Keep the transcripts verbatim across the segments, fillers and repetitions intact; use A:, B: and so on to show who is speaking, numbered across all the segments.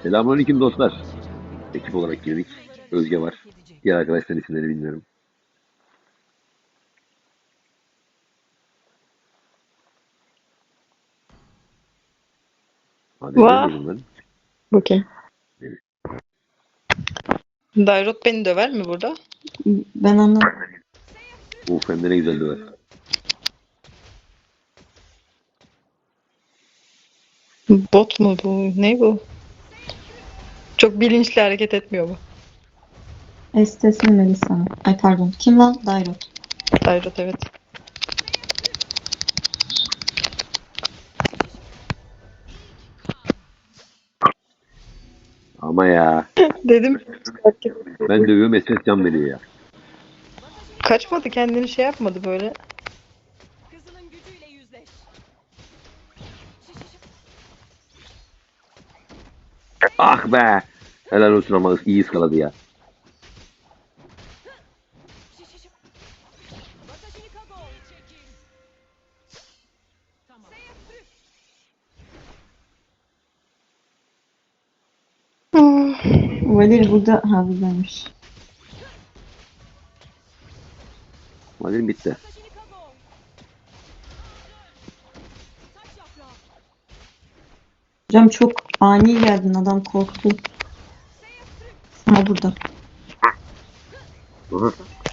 A: Selamünaleyküm dostlar. Ekip olarak girdik. Özge var. Diğer arkadaşların isimleri bilmiyorum. Hadi
B: Vah.
A: demeyelim lan.
B: Bakayım.
A: Evet.
B: Dairot beni döver mi burada?
C: Ben anladım.
A: Uf hem de ne güzel döver.
B: Bot mu bu? Ne bu? Çok bilinçli hareket etmiyor bu.
C: Estesini Melisa. Ay pardon. Kim lan? Dairot.
B: Dairot evet.
A: Ama ya.
B: Dedim.
A: Ben dövüyorum Esmes can veriyor ya.
B: Kaçmadı, kendini şey yapmadı böyle.
D: Kızının gücüyle yüzleş.
A: Ah be. Helal olsun ama iyi ıskaladı ya.
D: Watashi kago. Çekil. Tamam.
C: Valir burada. Ha buradaymış.
A: Madem bitti.
D: Watashi kago. Taç yaprağı.
C: Hocam çok ani geldin. Adam korktu. Ha burada.
A: Aha.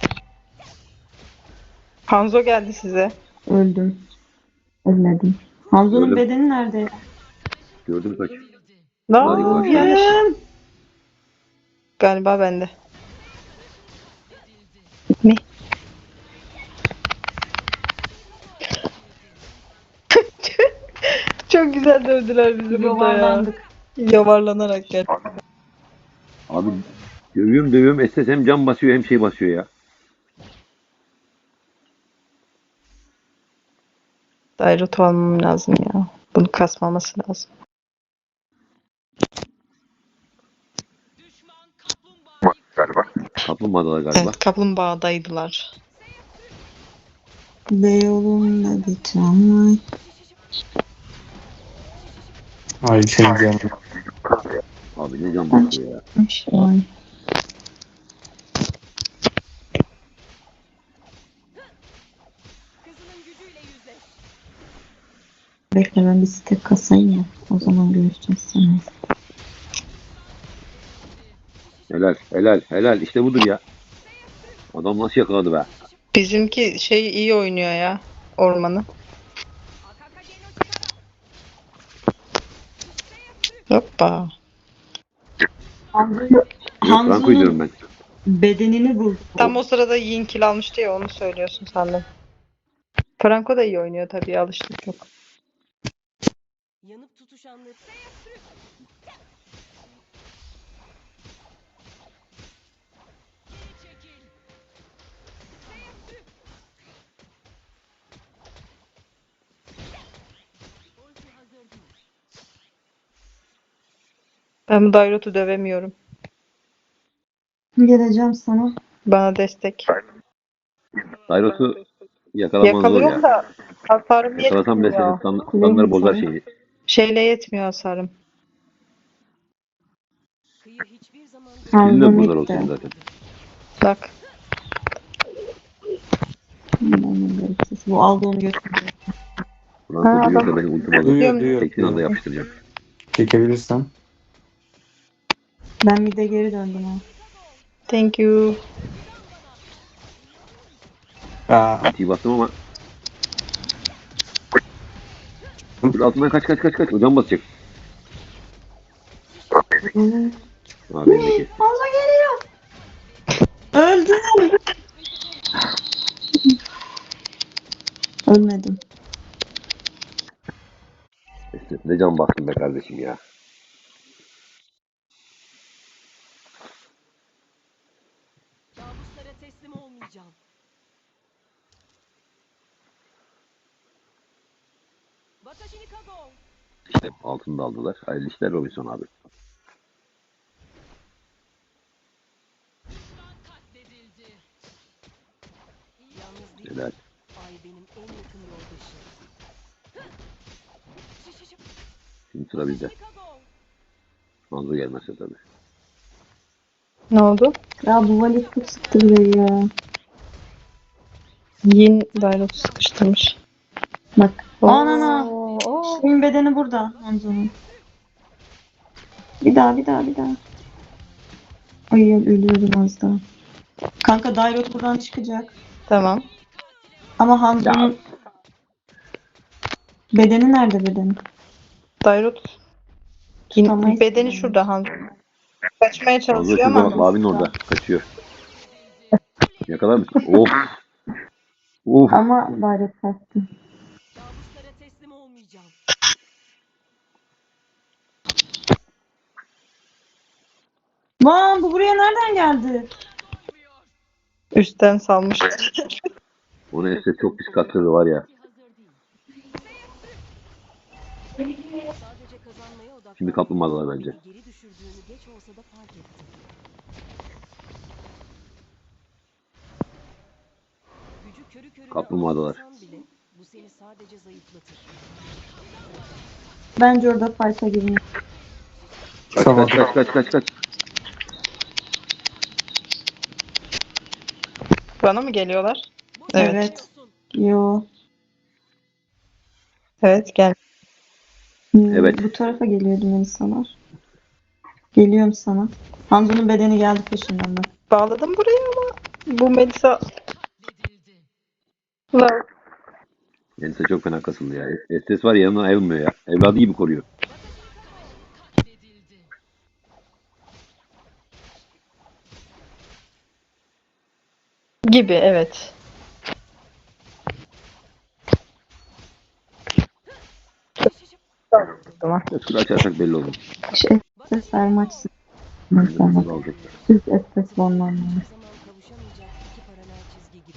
B: Hanzo geldi size.
C: Öldüm. Ölmedim. Hanzo'nun
A: Öldüm.
C: bedeni nerede?
A: Gördüm kaç.
B: Ne
A: Hadi
B: yapayım?
A: görüşürüz.
B: Yanlış. Galiba bende. Ne? Çok güzel dövdüler bizi burada ya.
C: Yuvarlandık.
B: Yavarlanarak gel.
A: Abi dövüyorum dövüyorum Esmes hem can basıyor hem şey basıyor ya.
B: Dairot almam lazım ya. Bunu kasmaması lazım.
D: Düşman kaplumbağa.
A: Galiba. Kaplumbağalar galiba.
B: Evet, kaplumbağadaydılar.
C: Beyoğlu'nda bir tramvay.
E: Ay şey canım.
A: Abi ne can basıyor ya.
C: Ay.
D: Kızının gücüyle yüzleş.
C: Bekle ben bir stek kasayım ya. O zaman görüşeceğiz sana.
A: Helal helal helal işte budur ya. Adam nasıl yakaladı be.
B: Bizimki şey iyi oynuyor ya. Ormanı.
D: Akakage no Chikara.
B: Hoppa.
C: Hanzo'yu
A: Yok ben koyuyorum ben.
C: bedenini bul.
B: Tam o sırada Yin kill almıştı ya, onu söylüyorsun sandım. Franco da iyi oynuyor tabii, alıştık çok.
D: Yanıp tutuşanları. Çekil. Ulti hazır değil.
B: Ben bu Dairot'u dövemiyorum.
C: Geleceğim sana.
B: Bana destek.
A: Dairos'u yakalaman zor
B: Yakalıyorum
A: ya.
B: da hasarım
A: Yakalasam bile senin
B: yetmiyor.
A: stand- standları bozar
C: Neymiş
A: şeyi.
B: Şeyle yetmiyor hasarım.
D: Kıyı hiçbir zaman
A: Senin de
C: Hanzo
A: bozar o
C: bitti.
A: senin zaten.
B: Bak.
C: Bu aldı onu götürdü.
A: Franco
B: Ha,
A: duyuyor da
B: adam-
A: beni ultim alır.
E: Duyuyor duyuyor.
A: Teksin anda yapıştıracağım.
E: Çekebilirsen.
C: Ben bir de geri döndüm ha.
B: Thank you.
E: Aa,
A: Ultiyi bastım ama. Dur altından kaç kaç kaç kaç. O can basacak. Abi bendeki.
C: Hanzo geliyor. Öldüm. Ölmedim.
A: Esnet ne can bastın be kardeşim ya.
D: kabuslara teslim olmayacağım. Watashi kago.
A: İşte altını da aldılar. Hayırlı işler Robinson abi.
D: Düşman katledildi. Yalnız değil.
A: Helal.
D: Ay benim en yakın yoldaşım.
A: Şimdi sıra bizde.
D: Watashi kago.
A: Hanzo gelmezse tabii.
B: Ne oldu?
C: Ya bu valiz çok sıktı burayı ya.
B: Yin Dairot'u sıkıştırmış.
C: Bak.
B: Oo,
C: Anana.
B: oo.
C: Şeyin bedeni burada. Hanzo'nun. Bir daha bir daha bir daha. Ay ölüyorum az daha. Kanka Dairot buradan çıkacak.
B: Tamam.
C: Ama Hanzo'nun bedeni nerede bedeni?
B: Dairot yin,
C: Tutamayız
B: bedeni
C: yani.
B: şurada Hanzo. Kaçmaya
A: Hanzo
B: çalışıyor
A: şurada
B: ama
A: bak, mavinin orada. Kaçıyor. Yakalar mısın? Of. Of.
C: Ama Dairot kaçtı.
D: Kabuslara teslim olmayacağım.
C: Lan bu buraya nereden geldi?
B: üstten salmış.
A: Onu Estes çok pis kattırdı var ya.
D: Sadece kazanmaya odaklan.
A: Şimdi kaplumbağalar bence.
D: Geri düşürdüğünü geç olsa da fark ettim. Gücü körü körüne
A: Kaplumbağalar.
D: algılasan bile bu seni sadece zayıflatır.
C: Bence orada fight'a girmiş.
A: Kaç
E: Tamam.
A: kaç kaç kaç kaç kaç.
B: Bana mı geliyorlar?
D: Boşa
B: Evet.
C: Evet.
D: gidiyorsun.
C: Yo.
B: Evet gel.
C: Hmm,
A: Evet.
C: Bu tarafa geliyordum insanlar. Geliyorum sana. Hanzo'nun bedeni geldi peşinden bak.
B: Bağladım buraya ama bu Melisa var.
A: Melisa çok fena kasıldı ya. Estes var ya, yanından ayrılmıyor ya. Evladı gibi koruyor.
B: Gibi evet. Tamam.
A: Estes açarsak belli olur.
C: Şey, sesler maçsın.
A: Nasıl
C: Mesela.
A: alacaklar?
C: Siz estes bonlanma.
D: Hiçbir zaman kavuşamayacak iki paralel çizgi gibi.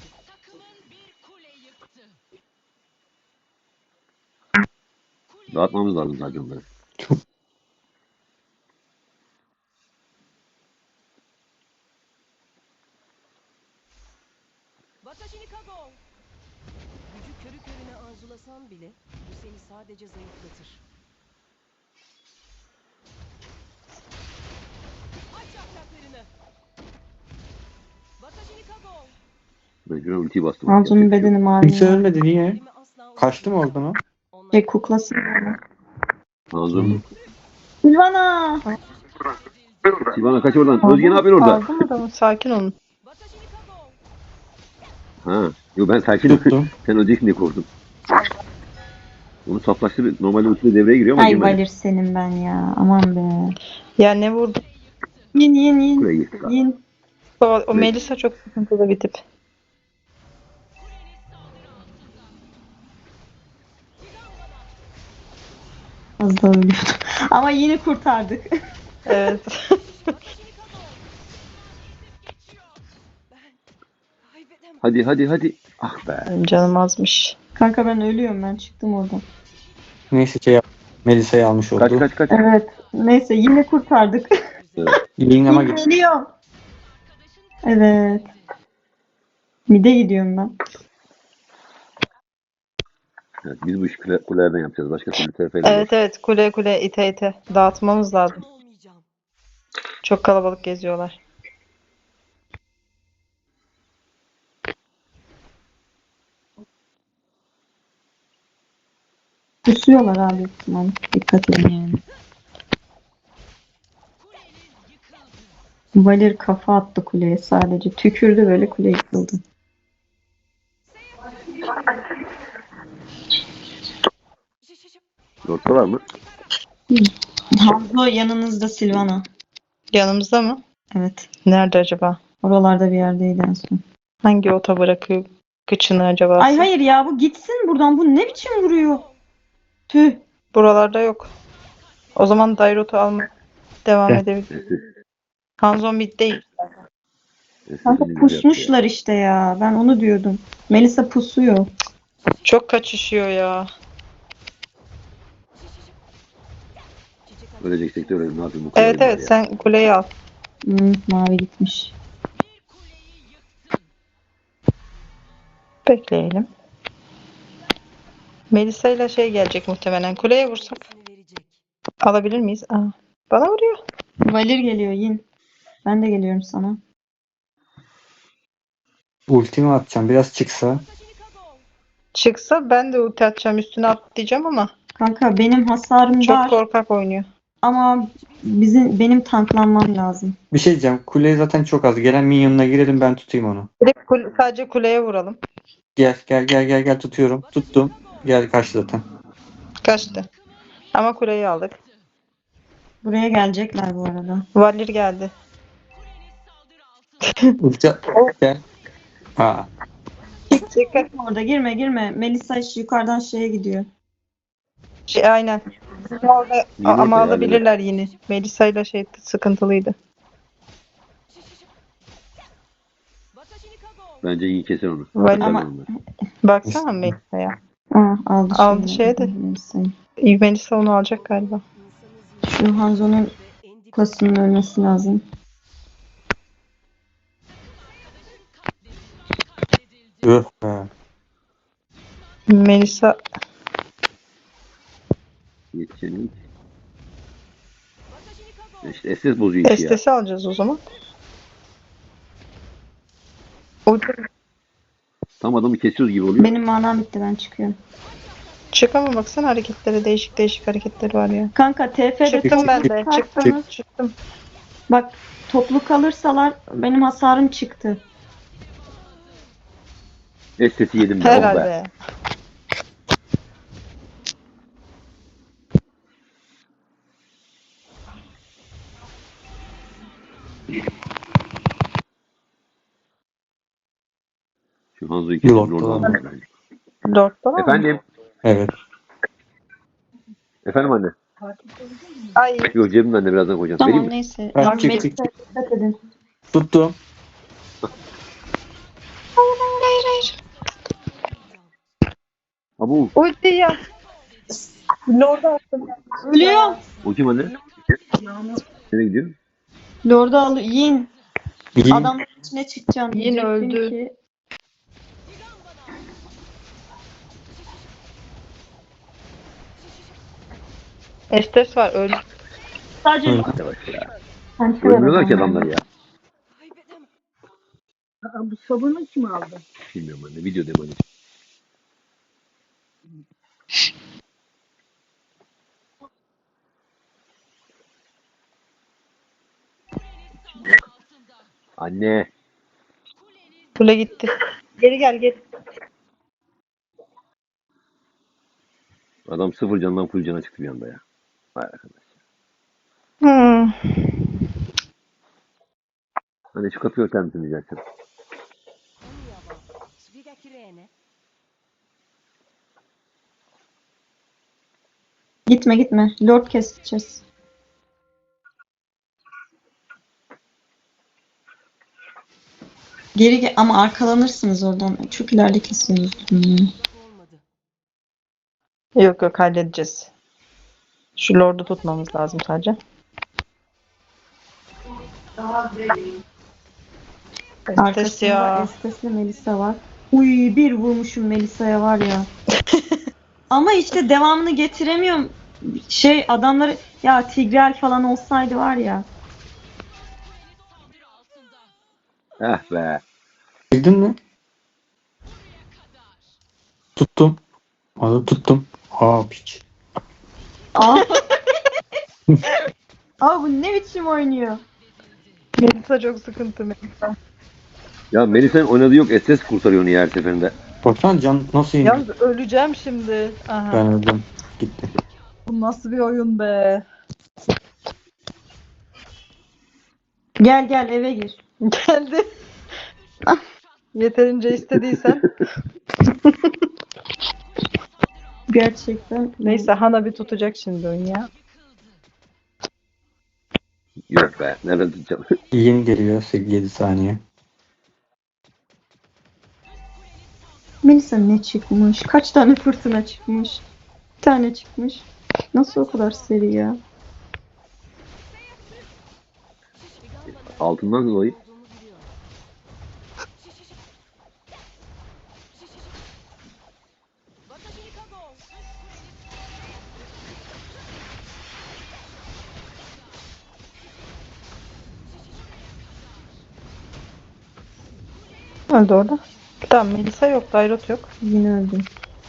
A: Dağıtmamız lazım zaten onları.
E: Çok
D: Watashi ni kago! Gücü körü körüne arzulasan bile bu seni sadece zayıflatır. Aç yapraklarını! Watashi ni kago!
A: Mecburen ultiyi bastım.
C: Hanzo'nun
A: Yapacak bir şey
C: bedeni
A: yok.
C: mavi.
E: kimse ölmedi niye?
D: Elimi asla
E: Kaçtı mı
D: unutmayacağım.
E: oradan o?
D: Onları
C: Şey kuklası.
A: Hanzo'nun.
C: Silvana!
A: Sivana kaç oradan. Özge ne yapıyorsun orada?
B: Aldım adamı. Sakin olun.
D: Watashi ni kago!
A: Ha. Yo, ben sakinim.
E: Tuttum.
A: Sen öleceksin diye korktum. Onu saflaştır. Normalde ultiyle devreye giriyor ama
C: Ay
A: girmedi.
C: Valir senin ben ya. Aman be.
B: Ya ne vurdu?
C: Yin yin yin.
A: Buraya gitti.
C: Yin.
B: O, o
A: Evet.
B: Melisa çok sıkıntılı bir tip.
C: Az daha ölüyordum. Ama yine kurtardık.
B: Evet.
D: Watashi ni kago! Ben kaybedemem.
A: Hadi hadi hadi. Ah be.
B: Canım azmış.
C: Kanka ben ölüyorum, ben çıktım oradan.
E: Neyse şey yap. Melisa'yı almış
A: Kaç
E: oldu.
A: kaç kaç.
C: Evet. Neyse yine kurtardık.
A: Evet.
E: Yayın ama git.
C: Geliyor. Evet. Mide gidiyorum ben.
A: Evet, biz bu işi kule- kulelerden yapacağız. Başka türlü T F ile
B: Evet evet kule kule ite ite dağıtmamız lazım.
D: Olmayacağım.
B: Çok kalabalık geziyorlar.
C: Kusuyorlar abi ihtimal. Dikkat edin yani. Valir kafa attı kuleye sadece. Tükürdü böyle, kule yıkıldı.
A: Lord'da var mı?
C: Hanzo yanınızda Silvana.
B: Yanımızda mı?
C: Evet.
B: Nerede acaba?
C: Oralarda bir yerdeydi en son.
B: Hangi ota bırakıyor kıçını acaba?
C: Ay hayır ya, bu gitsin buradan. Bu ne biçim vuruyor? Tüh.
B: Buralarda yok. O zaman Dairot'u almaya devam
E: Gel.
B: edebilir.
A: Estes.
B: Hanzo mid değil.
A: Estes
C: Kanka
A: elini yaptı ya.
C: pusmuşlar işte ya. Ben onu diyordum. Melisa pusuyor.
B: Çok kaçışıyor ya.
D: Çiçek
A: Öleceksek de ölelim. Ne yapayım bu kadar
B: Evet
A: var
B: evet
A: ya.
B: sen kuleyi al.
C: Hmm, mavi gitmiş.
B: Bekleyelim. Melisa ile şey gelecek muhtemelen. Kuleye vursak
D: verecek.
B: alabilir miyiz? Aa. Bana vuruyor.
C: Valir geliyor Yin. Ben de geliyorum sana.
E: Ultimi atacağım. Biraz çıksa.
B: Çıksa ben de ulti atacağım üstüne atlayacağım ama
C: Kanka benim hasarım
B: çok
C: var
B: korkak oynuyor.
C: ama bizim benim tanklanmam lazım.
E: Bir şey diyeceğim. Kule zaten çok az. Gelen minyonuna girelim, ben tutayım onu.
B: Direkt kule- sadece kuleye vuralım.
E: Gel gel gel gel gel tutuyorum. Tuttum. Gel karşı zaten.
B: Kaçtı. Ama kuleyi aldık.
C: Buraya gelecekler bu arada.
B: Valir geldi.
E: Ulti gel. Ha.
B: Dikkat.
C: Orada girme girme. Melisa şu yukarıdan şeye gidiyor.
B: Şey, aynen. Bizim orada
A: Yine
B: ama
A: orada
B: alabilirler yine. Melisa ile şey sıkıntılıydı.
A: Bence iyi keser onu.
B: Valir.
A: Keser
C: Ama-
A: onu.
B: Baksana Melisa'ya.
C: Aa, aldı
B: Aldı
C: şeyi.
B: şeye de.
C: Melisa'yı.
B: Melisa onu alacak galiba.
C: Şu Hanzo'nun klasının ölmesi lazım.
E: Öh be.
B: Melisa
A: Yetişelim. İşte S S bozuyor işi ya.
B: Estesi alacağız o zaman. O
A: Tam adamı kesiyoruz gibi oluyor.
C: Benim manam bitti, ben çıkıyorum.
B: çık ama baksana hareketlere değişik değişik hareketleri var ya.
C: Kanka T F'de
B: Çıktım ben de. Çıktım.
C: çıkarsanız-
B: Çıktım.
C: Bak toplu kalırsalar benim hasarım çıktı.
A: S S'i yedim ben. Oh be.
B: Herhalde.
A: Şu Hanzo'yu kesin
E: Yok,
A: orada
E: tamam.
A: almak bence.
B: Lord'da var mı?
A: Efendim?
E: Evet.
A: Efendim anne?
B: Ay
A: Yok cebimden de birazdan koyacağım.
C: Tamam
A: Vereyim mi?
C: neyse.
E: Ha,
C: Bak,
E: çık,
C: Melisa'ya
E: çık, çık.
C: dikkat edin.
E: Tuttum.
B: hayır hayır.
A: Abu.
B: Ulti ya. Lord'a attım.
C: Ölüyor.
A: O kim anne? Nereye gidiyor?
C: Lord'u al. Yin.
E: İyi.
C: Adamların içine çıkacağım.
B: Yin
C: Diyecektim
B: öldü.
C: ki-
B: Estes var öldü.
C: Sadece
E: Hı.
A: Hadi bak ya.
C: Sanki
A: Ölmüyorlar ki
C: öyle
A: adamlar ya.
F: Aa, bu sabunu kim aldı?
A: Bilmiyorum anne. Video deme anneciğim. Anne.
B: Kule gitti. Geri gel geri.
A: Adam sıfır candan full cana çıktı bir anda ya. Vay arkadaş.
B: Hmm.
A: Hani şu kapıyı örter misin diyeceksin.
C: Gitme gitme. Lord keseceğiz. Geri ge- ama arkalanırsınız oradan. Çok ileride kesiyoruz. Hmm.
B: Yok yok halledeceğiz. Şu Lord'u tutmamız lazım sadece. Estes
C: Arkasında
B: ya.
C: Estes'le Melisa var. Uy bir vurmuşum Melisa'ya var ya. Ama işte devamını getiremiyorum. Şey adamları ya Tigreal falan olsaydı var ya.
A: Eh be.
E: Bildin mi? Tuttum. Adı tuttum. Aa piç.
C: Aa. Aa bu ne biçim oynuyor?
B: Melisa çok sıkıntı Melisa.
A: Ya Melisa'nın oynadığı yok. S S kurtarıyor onu ya her seferinde.
E: Baksana can nasıl indi?
B: Yalnız öleceğim şimdi. Aha.
E: Ben öldüm. Gitti.
B: Bu nasıl bir oyun be?
C: Gel gel eve gir.
B: Geldi. Yeterince istediysen.
C: Gerçekten.
B: Neyse Hana bir tutacak şimdi oyun ya.
A: Yok be. Nereden tutacağım?
E: Yin geliyor yedi saniye.
C: Melisa ne çıkmış? Kaç tane fırtına çıkmış? Bir tane çıkmış. Nasıl o kadar seri ya?
A: Altından dolayı.
B: öldü orada? Tamam, Melisa yok, Dairot yok.
C: Yine öldüm.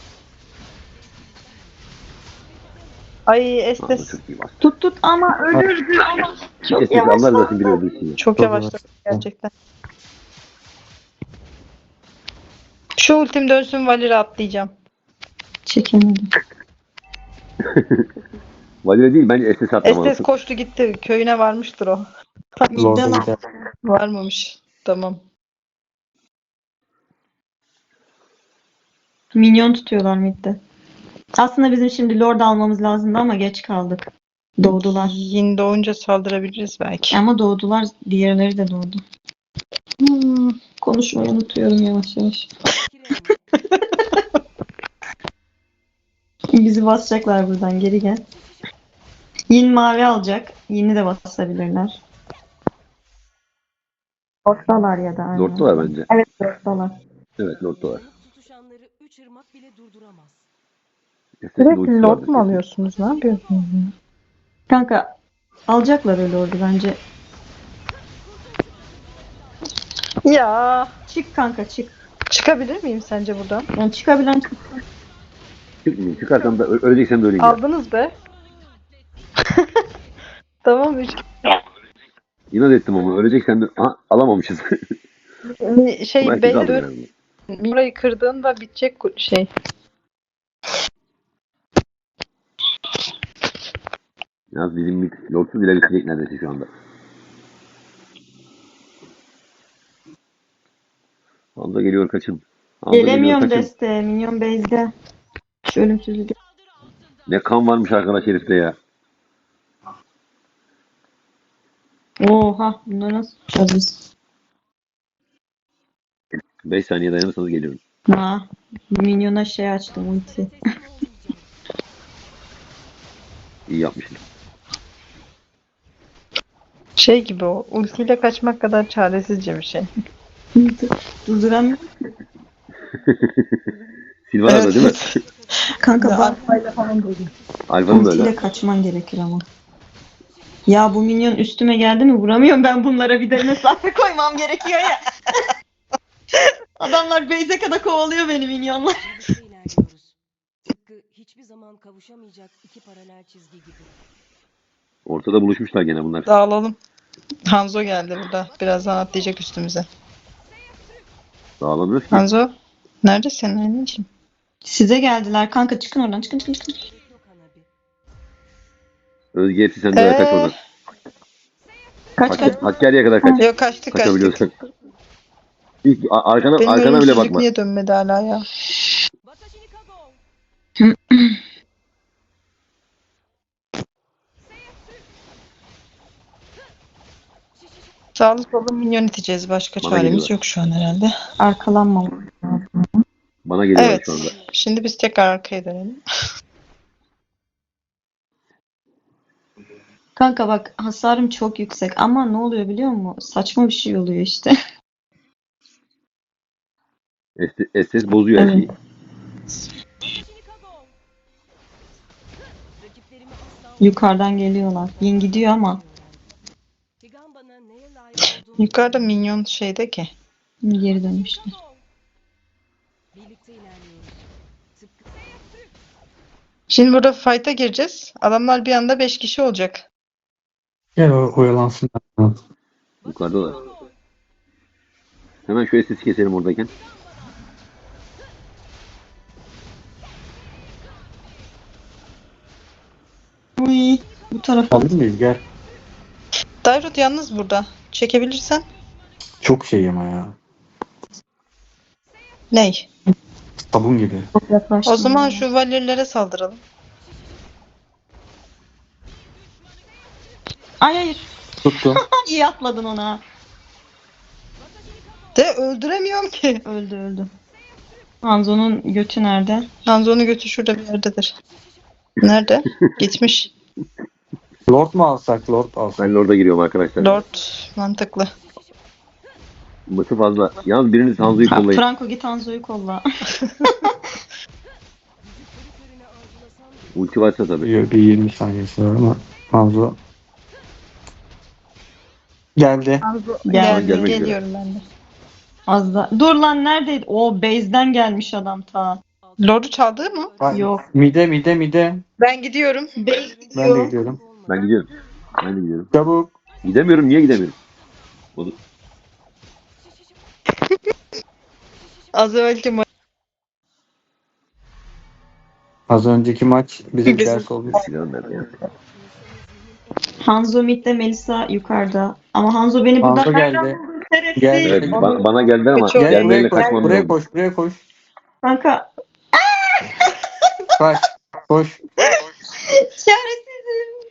B: Ay
A: Aa,
B: Estes
A: çok iyi bastı.
C: Tut tut ama ölürdü ama. Çok
A: Estes anlar
C: yavaş.
A: zaten biri öldürsün ya.
B: çok
E: Çok
B: yavaşladı
E: yavaş.
B: gerçekten. Şu ultim dönsün, Valir'e atlayacağım.
C: Çekemedim.
A: Valide değil, bence Estes
B: Estes
A: atlamalısın.
B: koştu gitti. Köyüne varmıştır o.
E: Lord'a
C: Midden
E: gider.
B: Varmamış. Tamam.
C: minyon tutuyorlar midde. Aslında bizim şimdi Lord almamız lazımdı ama geç kaldık. Doğdular.
B: Yin doğunca saldırabiliriz belki.
C: Ama doğdular. Diğerleri de doğdu.
B: Hmm.
C: Konuşmayı unutuyorum yavaş yavaş. Bizi basacaklar buradan. Geri gel. Yin mavi alacak. Yin'i de basabilirler. Lord'dalar ya da. aynen.
A: Lord'dalar bence.
C: Evet Lord'dalar.
A: Evet, Lord'dalar.
D: Tutuşanları üç ırmak bile durduramaz.
A: Estes'in
B: Sürekli
A: ultisi
B: Lord
A: vardır
B: mu
A: kesin.
B: alıyorsunuz? Ne yapıyorsunuz?
C: Kanka alacaklar öyle Lord'u bence.
B: Ya
C: Çık kanka çık.
B: çıkabilir miyim sence buradan?
C: Yani çıkabilen çık.
A: Çıkmayayım. Çıkarsam da ö- öleceksem de öleyim ya.
B: Aldınız be. Tamam üç.
A: İnat ettim ama öleceksem de Aha, alamamışız.
B: Şey
A: Belki
B: bey
A: kaldı
B: dur.
A: herhalde.
B: Burayı kırdığında bitecek ku- şey.
A: Yalnız bizim mid Lord'suz bile bitecek neredeyse şu anda. Hamza geliyor kaçın. Hamza geliyor
C: Gelemiyorum
A: kaçın.
C: deste. Minyon base'de. Şu ölümsüzlük.
A: Ne kan varmış arkadaş herifte ya.
C: Oha bunları nasıl tutacağız biz?
A: beş saniye dayanırsanız geliyorum.
C: Ha, minyona şey açtım ulti.
A: İyi yapmışsın.
B: Şey gibi o. Ultiyle kaçmak kadar çaresizce bir şey.
C: Durduramıyorum.
A: Silvana da değil mi?
C: Kanka
B: Ya,
C: bak
A: Alfa'nın da
C: ultiyle
A: öyle.
C: kaçman gerekir ama. Ya bu minyon üstüme geldi mi vuramıyorum ben bunlara bir de mesafe koymam gerekiyor ya. Adamlar base'e kadar kovalıyor beni minyonlar.
D: Birlikte ilerliyoruz. Tıpkı hiçbir zaman kavuşamayacak iki paralel çizgi gibi.
A: Ortada buluşmuşlar gene bunlar.
B: Dağılalım. Hanzo geldi burada. Birazdan atlayacak üstümüze.
A: Dağılamıyoruz ki.
B: Hanzo. Neredesin anneciğim?
C: Size geldiler kanka çıkın oradan çıkın çıkın çıkın.
D: Yok Hanabi.
A: Özge hepsi sende ee... kaç
B: Ee,
A: oradan.
C: Kaç kaç.
A: Hakkari, Hakkari'ye kadar kaç.
B: Yok kaçtık kaçtık.
A: Kaçabiliyorsan. Hiç a- arkana,
B: Benim
A: arkana bile
B: ölümsüzlük
A: bakma.
B: niye dönmedi hala ya?
D: Watashi ni kago.
B: Sağlı sollu minyon iteceğiz. Başka
A: Bana
B: çaremiz
A: geliyorlar.
B: yok şu an herhalde.
C: Arkalanmam.
A: Bana geliyorlar
B: Evet.
A: şu anda.
B: Şimdi biz tekrar arkaya dönelim.
C: Kanka bak hasarım çok yüksek ama ne oluyor biliyor musun? Saçma bir şey oluyor işte.
A: Estes, Estes bozuyor her
C: Evet.
A: şeyi.
D: Watashi ni kago. Rakiplerimi asla
C: Yukarıdan geliyorlar. Yin gidiyor ama
D: Higamba'na neye layık olduğunu
B: Yukarıda minyon şeyde ki.
C: geri dönmüşler.
D: Birlikte ilerliyoruz. Tıpkı
B: Şimdi burada fight'a gireceğiz. Adamlar bir anda beş kişi olacak.
E: Gel o oyalansın.
A: Yukarıdalar. Hemen şu Estes'i keselim oradayken.
C: Uy, bu tarafa.
E: Alır mıyız? Gel.
B: Dairot yalnız burada. Çekebilirsen.
E: Çok şey ama ya.
B: Ney?
E: Sabun gibi.
C: Çok yaklaştım.
B: O zaman şu valirlere saldıralım.
C: Ay hayır.
E: Tuttum.
C: İyi atladın ona.
B: De öldüremiyorum ki.
C: Öldü öldü. Hanzo'nun götü nerede?
B: Hanzo'nun götü şurada bir yerdedir. Nerede? Gitmiş.
E: Lord mu alsak? Lord alsak.
A: Ben Lord'a giriyorum arkadaşlar.
B: Lord mantıklı.
A: Mıtı fazla. Yalnız biriniz Hanzo'yu
C: Ha,
A: kollayın.
C: Franco git Hanzo'yu kolla.
D: körü körüne avculasan bile
A: Ulti varsa tabii.
E: Bir, bir yirmi saniyesi var ama Hanzo geldi.
B: Geldi,
A: gelmek üzere.
B: geliyorum ben de.
C: Az da. Dur lan neredeydi? O base'den gelmiş adam ta.
B: Lord'u çaldı mı?
E: Ay,
C: Yok.
E: Mide mide mide.
B: Ben gidiyorum.
C: Base
E: Ben de
C: gidiyor.
E: gidiyorum.
A: Ben gidiyorum. Ben de gidiyorum.
E: Çabuk.
A: Gidemiyorum. Niye gidemiyorum? Onu...
B: Az evvelki ma-
E: Az önceki maç bize
B: Bizim-
E: ders olmuş.
A: Silahım nerede ya?
C: Hanzo midde, Melisa yukarıda. Ama Hanzo beni burada
E: Hanzo geldi.
C: nereden buldu? Şerefsiz.
E: Geldi.
A: Evet, ba- bana geldi ama
B: Kaçıyor.
E: Gel
A: gelmeyle
E: buraya koş.
A: kaçmam
E: Buraya
A: lazım.
E: koş. Buraya koş.
C: Kanka
E: Kaç. Koş.
C: çaresizim.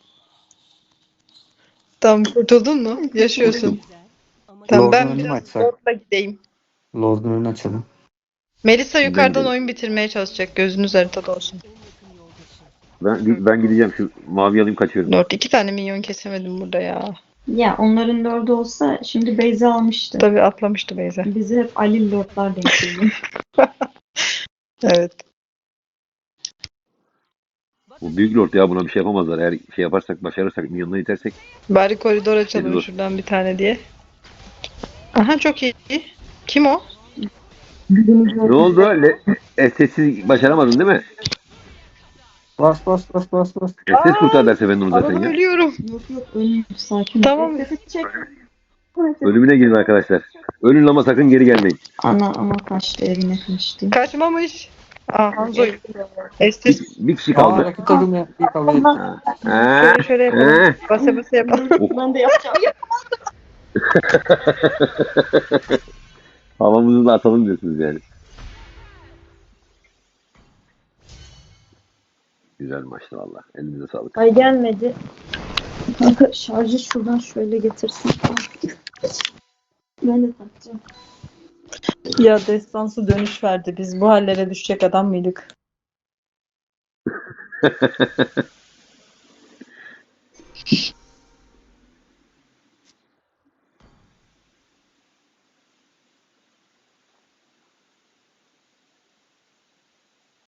B: Tamam, kurtuldun mu? Yaşıyorsun.
D: Ama
B: Tamam,
E: Lord'un
B: ben
E: önünü mü
B: biraz
E: açsak?
B: Lord'la gideyim.
E: Lord'un önünü açalım.
B: Melisa yukarıdan
A: gidelim.
B: oyun bitirmeye çalışacak. Gözünüz haritada olsun.
D: en yakın yoldaşı.
A: Ben, ben gideceğim. Şu mavi alayım kaçıyorum.
B: Lord iki tane minyon kesemedim burada ya.
C: Ya onların lordu olsa şimdi base'i almıştı.
B: Tabii atlamıştı Beyza.
C: Bizi hep Ali lordlar denk geliyor.
B: Evet.
A: Bu büyük lord ya, buna bir şey yapamazlar. Eğer şey yaparsak, başarırsak, milyonuna itersek.
B: Bari koridor açalım
A: Dur.
B: şuradan bir tane diye. Aha, çok iyi. Kim o?
A: Ne oldu? Le e, sessiz başaramadın değil mi?
E: Bas bas bas bas bas.
A: E, ses kurtar derse ben onu zaten
B: Adam
A: ya.
B: ölüyorum.
C: Yok yok ölmüyor sakin ol.
B: Tamam.
C: Sesi çek.
A: Ölümüne girin arkadaşlar. Ölün ama sakın geri gelmeyin.
C: Ana ama kaçtı evine kaçtı.
B: Kaçmamış. Aa, Hanzo. Estes.
A: Bir, bir kişi
E: Aa,
A: kaldı.
E: rakip takım ya. İyi kabul ettim.
A: Ha. Ha.
B: Şöyle şöyle yapalım.
A: Ha.
B: Basa basa yapalım.
C: Ben de yapacağım.
A: Havamızı da atalım diyorsunuz yani. Güzel maçtı valla. Elinize sağlık.
C: Ay gelmedi. Kanka şarjı şuradan şöyle getirsin. Ben de takacağım.
B: Ya destansı dönüş verdi. Biz bu hallere düşecek adam mıydık?